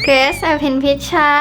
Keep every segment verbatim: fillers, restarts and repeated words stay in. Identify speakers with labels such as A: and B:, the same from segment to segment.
A: เกรซอภินพิชชา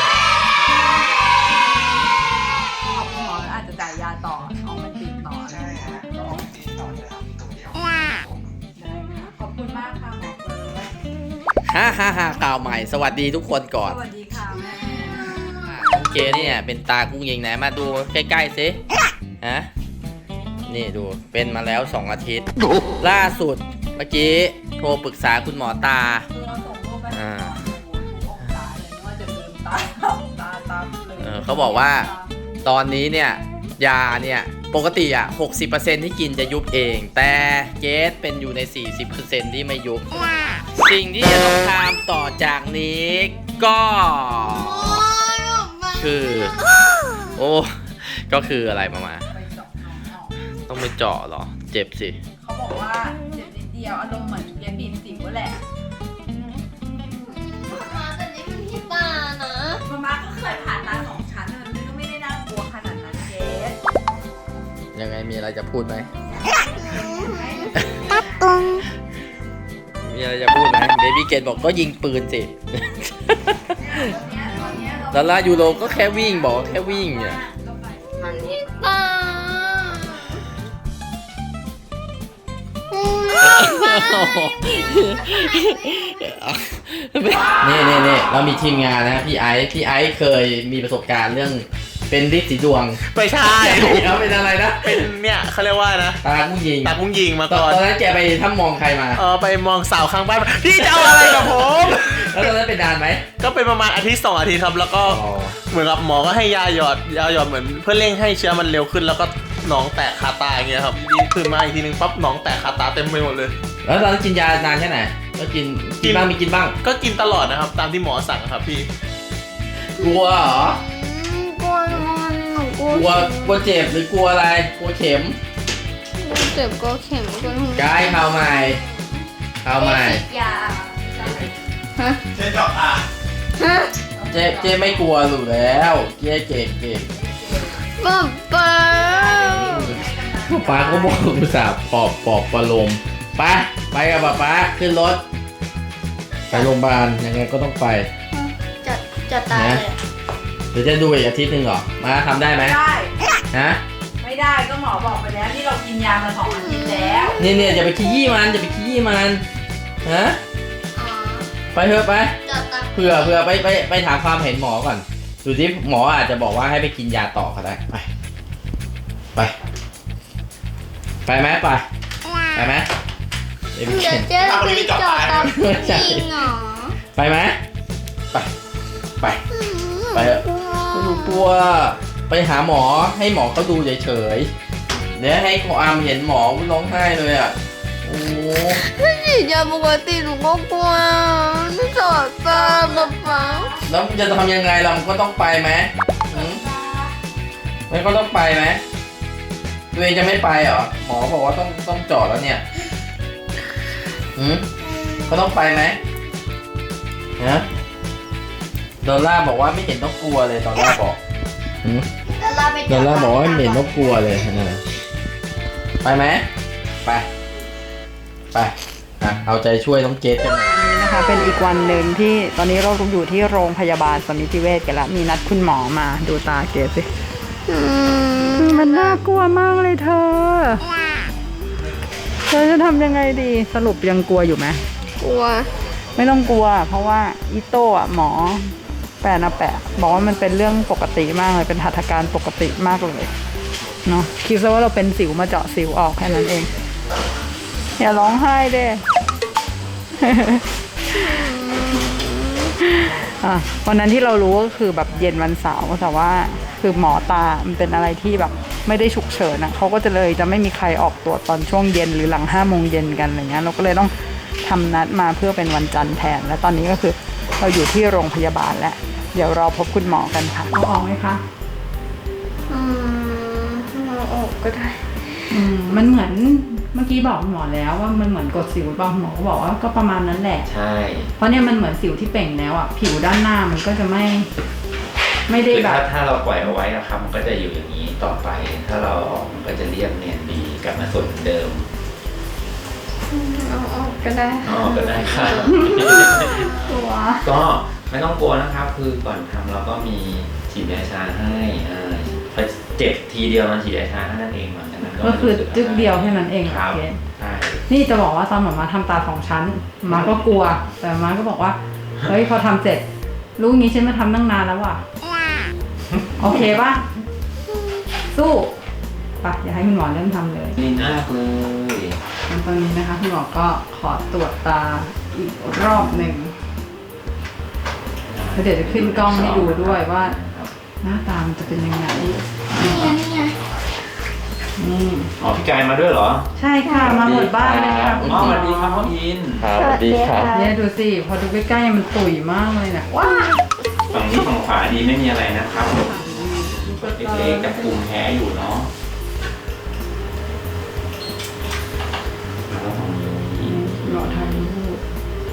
B: หมออาจจะจ่ายยาต่อท้องมันติดต่อใช่ฮะท้องติดต่อจะทำตัวเดียวได้ค่ะขอบคุณมากค่ะหมอเฟิร์ส
C: ฮ่าฮ่าฮ่าข่าวใหม่สวัสดีทุกคนก่อน
B: สวัสดีค่ะแม่
C: น้องเกเนี่ยเป็นตากุ้งยิงไหนมาดูใกล้ๆสิฮะนี่ดูเป็นมาแล้วสองอาทิตย์ล่าสุดเมื่อกี้โทรปรึกษาคุณหมอตา
B: คือเราส่งรูปไปให้หมอดูองศาเลยว่าจะลืมตาตาตาเลย
C: เขาบอกว่าตอนนี้เนี่ยยาเนี่ยปกติอ่ะ หกสิบเปอร์เซ็นต์ ที่กินจะยุบเองแต่เกสเป็นอยู่ใน สี่สิบเปอร์เซ็นต์ ที่ไม่ยุบสิ่งที่จะต้องทำต่อจากนี้ก็คือโอ้ก็คืออะไรมามาต้องไปเจาะเหรอเจ็บสิ
B: เขาบอกว่าเจ็บนิดเดียวอารมณ์เหมือนเกสบีบสิวแหละ
A: แต่นี่มันที่ตานะ
B: มาม่าก็เคยผ่านตาสองชั้นมันก็ไม่ได้น่ากลัวขนาดนั้นเกส
C: ยังไงมีอะไรจะพูดไหมมีอะไรจะพูดไหมเบบี้เกนบอกก็ยิงปืนสิแล้วลายูโรก็แค่วิ่งบอกแค่วิ่งเนี่ย
A: มันที่ตา
C: นี่นี่นี่เรามีทีมงานนะพี่ไอซ์พี่ไอซ์เคยมีประสบการณ์เรื่องเป็นฤทธิ์สีดวง
D: ไม่ใช่
C: เขาเป็นอะไรนะ
D: เป็นเนี่ยเขาเรียกว่านะ
C: ตาพุ่งยิง
D: ตาพุ่งยิงมาก่อน
C: ตอนนั้นแกไปถ้ามองใครมา
D: เออไปมองสาวข้างบ้านพี่จะเอาอะไรกับผม
C: แล้วตอนนั้นเป็นนานไหม
D: ก็เป็นประมาณอาทิตย์สองอาทิตย์ครับแล้วก็เหมือนกับหมอก็ให้ยาหยอดยาหยอดเหมือนเพื่อเร่งให้เชื้อมันเร็วขึ้นแล้วก็หนองแตกคาตาอย่างเงี้ยครับดีขึ้นมาอีกทีนึงปั๊บหนองแตกคาตาเต็มไปหมดเลย
C: แล้วตอนนั้นกินยานานแค่ไหนก็กินกินบ้างมีกินบ้าง
D: ก็กินตลอดนะครับตามที่หมอสั่งครับพี่
C: กลัวเหรอก
A: ลัวมันกลัว
C: กลัวกลัวเจ็บหรือกลัวอะไรกลัวเข็ม
A: กลัวเจ็บกลัวเข็มกลัวหู
C: กายข่าวใหม่ข่าวใหม่
A: ยาฮะ
D: เจ๊จอกอ่ะ
A: ฮะ
C: เจ๊เจ๊ไม่กลัวหรือแล้วเจ๊เก่งเก่ง
A: ป๊าป๊า
C: ป๊าก็บอกอุตส่าห์ปอบปอบประโลมไปไปกับป๊าป๊าขึ้นรถไปโรงพยาบาลยังไงก็ต้องไป
A: จะจะตายเลย
C: เดี๋ยวจะดูอีกอาทิตย์หนึ่งเหรอมาทำได้ไหม
B: ได้
C: ฮะ
B: ไม่ได้ก็หมอบอกไปแล้วที่เรากินยามาสองอาทิตย์แล้ว
C: เนี่ยเนี่ยอย่าไปขี้ยี่มันอย่าไปขี้ยี่มันฮะไปเถอะไปเผื่อเผื่อไปไปไปถามความเห็นหมอก่อนดูที่หมออาจจะบอกว่าให้ไปกินยาต่อก็ได้ไปไปไปไหมไปไปไหม
A: เดี๋ยวเจ๊ไปจอดตามจริงเหรอ
C: ไปไหมไปไปไปเถอะไม่รู้กลัวไปหาหมอให้หมอเขาดูเฉยๆเดี๋ยวให้ขออามเห็นหมอร้องไห้เลยอ่ะโอ้
A: ฉีดยาปกติหนูก็กลัวไม่จอดตามป๊าป๊า
C: แล้วจะทำยังไงเราก็ต้องไปไหมไม่ก็ต้องไปไหมตัวเองจะไม่ไปเหรอหมอบอกว่าต้องต้องจอดแล้วเนี่ยอืมก็ต้องไปไหมฮะดอลล่าบอกว่าไม่เห็นต้องกลัวเลยดอลล่าบอกอืมดอลล่าบอกว่าไม่เห็นต้องกลัวเลยนะไปไหมไปไปอ่ะเอาใจช่วยน้องเกดกันหน่อย
B: นี่นะคะเป็นอีกวันหนึ่งที่ตอนนี้เราอยู่ที่โรงพยาบาลสมิติเวชกันแล้วมีนัดคุณหมอมาดูตาเกดสิมันน่ากลัวมากเลยเธอเธอจะทำยังไงดีสรุปยังกลัวอยู่ไหม
A: กลัว
B: ไม่ต้องกลัวเพราะว่าอีโต้อะหมอแปะนะแปะบอกว่ามันเป็นเรื่องปกติมากเลยเป็นหัตถการปกติมากเลยเนาะคิดซะว่าเราเป็นสิวมาเจาะสิวออกแค่นั้นเองอย่าร้องไห้เด้ อ่ะวันนั้นที่เรารู้ก็คือแบบเย็นวันเสาร์แต่ว่าคือหมอตามันเป็นอะไรที่แบบไม่ได้ฉุกเฉินนะเขาก็จะเลยจะไม่มีใครออกตรวจตอนช่วงเย็นหรือหลังห้าโมงเย็นกันอะไรเงี้ยเราก็เลยต้องทำนัดมาเพื่อเป็นวันจันทร์แทนและตอนนี้ก็คือเราอยู่ที่โรงพยาบาลแล้วเดี๋ยวรอพบคุณหมอกันค่ะเอาออกไหมคะ
A: อืมเอาออกก็ได้
B: อืมมันเหมือนเมื่อกี้บอกหมอแล้วว่ามันเหมือนกดสิวป่ะหมอก็บอกว่าก็ประมาณนั้นแหละ
C: ใช่
B: เพราะเนี่ยมันเหมือนสิวที่เป่งแล้วอ่ะผิวด้านหน้ามันก็จะไม่ไม่ได้แบบ
E: ถ้าเราปล่อยเอาไว้นะครับมันก็จะอยู่อย่างนี้ต่อไปถ้าเราออกมันก็จะเรียบเนียนดีกลับมาสวยเหมือนเดิม
A: เอาออกก็ได้
E: อ๋อก็ได้ค่ะ
A: ตัว
E: ก็ไม่ต้องกลัวนะครับ คือก่อนทำเราก็มีฉีดยาชาให้อ่าพอเจ็บทีเดียวมันฉีดยาชาให้นั่นเองหลังจากนั้น
B: ก็คือ
E: ไม่รู้สึะไร
B: จึ๊กเดียวแค่นั้นเอง
E: ครับ
B: โอเค
E: ใช่
B: นี่จะบอกว่าตอนหมอมาทำตาสองชั้นหมาก็กลัว แต่หมาก็บอกว่าเฮ้ยพอทำเสร็จรู้งี้ฉันมาทำตั้งนานแล้วว่ะโอเคป่ะสู้ไปอย่าให้คุณหมอเริ่มทำเลย
E: นี่มากเลย
B: งั้นตอนนี้นะคะคุณหมอก็ขอตรวจตาอีกรอบหนึ่งแล้วเดี๋ยวจะขึ้นกล้องให้ดูด้วยว่า หน้าตามันจะเป็นยังไง
A: นี่ไงนี่ไง
B: นี่
E: อ๋อพี่กายมาด้วยเหรอ
B: ใช่ค่ะมาหมดบ้านเลยค่ะ
E: อ๋อสวัสดีครับพ่ออิน
C: ครับสวัสดีครับ
B: เนี่ยดูสิพอดูใกล้ๆมันตุ๋ยมากเลยนะว้า
E: ฝั่งนี้ฝั่งขวาดีไม่มีอะไรนะครับเล็กๆกับภูมิแพ้อยู่เนาะแล้วฝั่งนี้
B: หมอทำรูป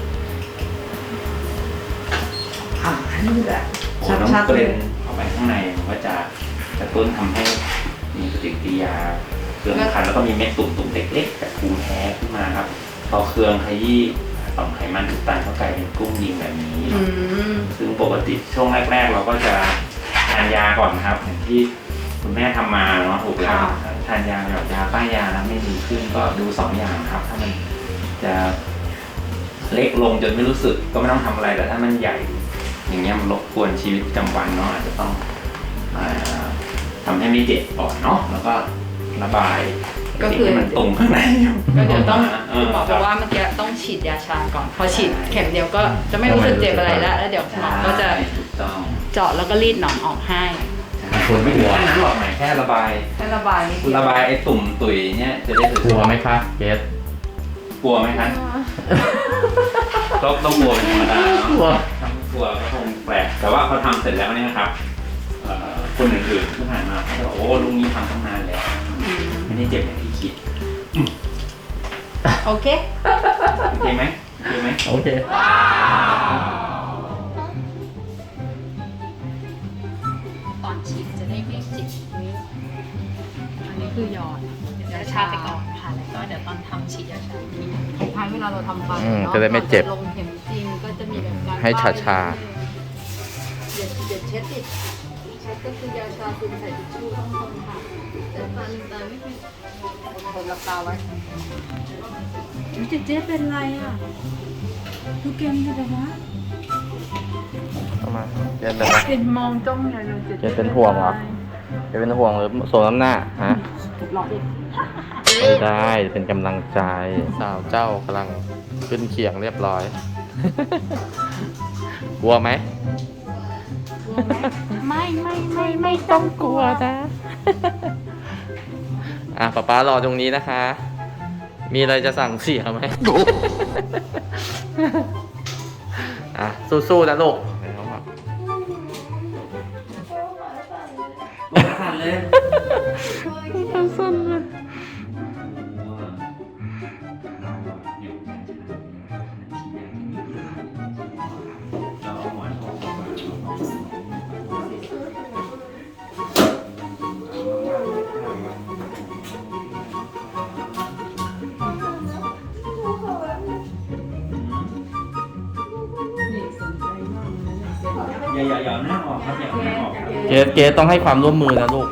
B: อ่ะนี่แหละ
E: โอ้น้อง
B: ชัด
E: เก
B: ๆเล
E: ร
B: ย
E: นเข้าไปข้างในมันก็จะกระตุ้นทำให้มีปฏิกิริยาเครืองคันแล้วก็มีเม็ดตุ่มๆเล็กๆจากภูมิแพ้ขึ้นมาครับพอเครืองขยี้ต่อมไขมันอุดตันเข้ากลายเป็นกุ้งยิงแบบนี้
B: อืม
E: ซึ่งปกติช่วงแรก ๆ เราก็จะทานยาก่อนนะครับอย่างที่คุณแม่ทำมาเนาะถูกแล้วทานยาแบบยาป้ายยาแล้วไม่ดีขึ้นก็ดูสองอย่างครับ ถ้ามันจะเล็กลงจนไม่รู้สึกก็ไม่ต้องทำอะไรแต่ถ้ามันใหญ่ อย่างเงี้ยมันรบกวนชีวิตประจำวันเนาะอาจจะต้องอ่าทำให้ไม่เจ็บก่อนเนาะแล้วก็ระบาย
B: ก็คือ
E: สิ่งที่มันตุ่มข้างในอยู่
B: ก็เดี๋ยวต้อง
E: เ
B: คุณหมอบอกว่าเมื่อกี้ต้องฉีดยาชาก่อน พอฉีดเข็มเดียวก็จะไม่รู้สึกเจ็บอะไรแล้วแล้วเดี๋ยวหมอก็จะ
E: ใช่ถูกต้อง
B: เจาะแล้วก็รีดหนองออกให้
E: คนไม่ถึงแค่นั้นหรอกหมายแค่ระบาย
B: ให้ระบายนิดเดียว
E: ระบายไอ้ตุ่มตุยเนี่ยจะได้
C: กลัวไหมคะเกส
E: กลัวไหมครับก็ต้องกลัวเป็นธรรมดาเนาะ
C: กลัว
E: ถ้าไม่กลัวก็คงแปลกแต่ว่าพอทำเสร็จแล้วเนี่ยนะครับเอ่อคนอื่นๆที่ผ่านมาเขาจะบอกโอ้ลุงนี้ทำตั้งนานแล้วไม่ได้เจ็บอย่างที่คิด
B: โอเค
E: โอเคไหมโอเคไหม
C: โอเค
B: ตอนฉีดจะได้ไม่จิกนิ้วอันนี้คือหยอดยาชาไปก่อนค่ะแล้วก็เดี๋ยวตอนทำฉีดยาชาทีคล้ายๆเวลาเราทำฟัน
C: อืม
B: เนาะ
C: จะได้ไม่เจ็บ
B: ก่อนลงเข็มจริงก็จะมีแบบการ
C: ให้ชาชา
B: อย่าอย่าเช็ดติดเช็ดก็คือยาชาคุณใส่ทิชชู่ข้างบนค่ะแต่ตาลืมตาไม่เป็นคนหลับตาไว้เจ๊เจ๊เป็นไรอ่ะดูเกมกันเลยวะ
C: เข้ามาเกสเป็นไร
B: เป็นมองจ้องใหญ่เลย
C: เจ๊เป็นห่วงเหรอ เกสเป็นห่วงหรือโสมน้ำหน้าฮะ
B: หลอกอีก
C: ไม่ได้เป็นกำลังใจสาวเจ้ากำลังขึ้นเขียงเรียบร้อย กลัวไหม
B: ไม่ไม่ไม่
C: ไม่ต้องกลัวนะ อ่ะป๊าป๊ารอตรงนี้นะคะ มีอะไรจะสั่งเสียไหม อ่ะสู้ๆนะลูก
E: สั่นเลย
C: สั้นเลย
E: อย่าอย่าอย่าหน้าออกครับอย่าหน้าออก
C: เกสเกสต้องให้ความร่วมมือนะลูก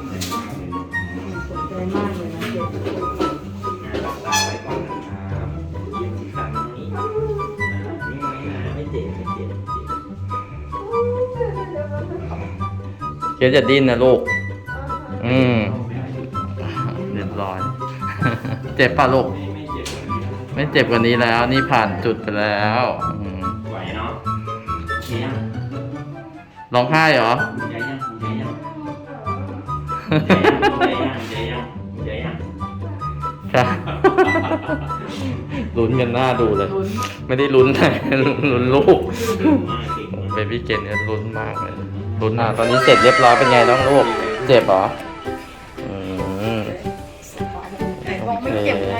C: เกสจะดิ้นนะลูก อืม เรียบร้อย เจ็บป่ะลูก ไม่เจ็บกว่านี้แล้ว นี่ผ่านจุดไปแล้วอืม
E: ไหวเนาะเชียง
C: ร้องไห้เหรอ
E: ใจยังใจยังใจยังใจยังใจยัง
C: ค่ะ ลุ้นกันหน้าดูเลย ไม่ได้ลุ้นแต่ลุ้นลูกเบบี้เกนเนี่ยลุ้นมากเลยลุ้นอ่ะตอนนี้เสร็จเรียบร้อยเป็นไงน้องลูก เจ็บเหรออืม
B: บอกไม่เจ็บไง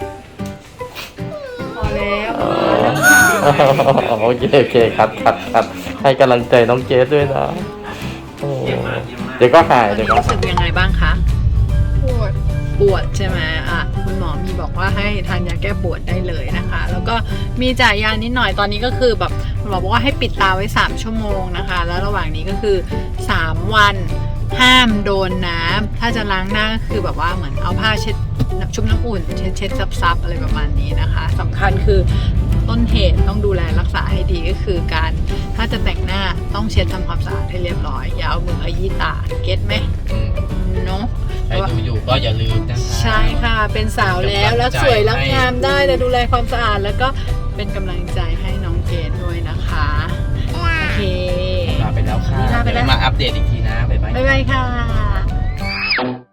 B: พอแล้ว
C: อ๋อโอเคโอเคครับครับครับให้กำลังใจน้องเกสด้วยนะโอ้เดี๋ยวก็หายเดี๋ยวก็
B: รู้สึกยังไงบ้างคะ
A: ปวด
B: ปวดใช่ไหมอ่ะคุณหมอมีบอกว่าให้ทานยาแก้ปวดได้เลยนะคะ แล้วก็ก็มีจ่ายยานิดหน่อยตอนนี้ก็คือแบบหมอบอกว่าให้ปิดตาไว้สามชั่วโมงนะคะแล้วระหว่างนี้ก็คือสามวันห้ามโดนน้ำถ้าจะล้างหน้าก็คือแบบว่าเหมือนเอาผ้าเช็ดชุบน้ำอุ่นเช็ดเช็ดซับๆอะไรประมาณนี้นะคะสำคัญคือต้นเหตุต้องดูแลรักษาให้ดีก็คือการถ้าจะแต่งหน้าต้องเช็ดทำความสะอาดให้เรียบร้อยอย่าเอามือขยี้ตาเก็ตไหม
C: อืม
B: เนาะ
C: ใครดูอยู่ก็อย่าลืมนะคะ
B: ใช่ค่ะเป็นสาวแล้วแล้วสวยแล้วงามได้แต่ดูแลความสะอาดแล้วก็เป็นกำลังใจให้น้องเกดด้วยนะคะโอเค
C: ลาไปแล้วค่ะ
B: ลาไปแล้ว
C: เดี๋ยวมาอัปเดตอีกทีนะบ๊ายบาย
B: บ๊ายบายค่ะ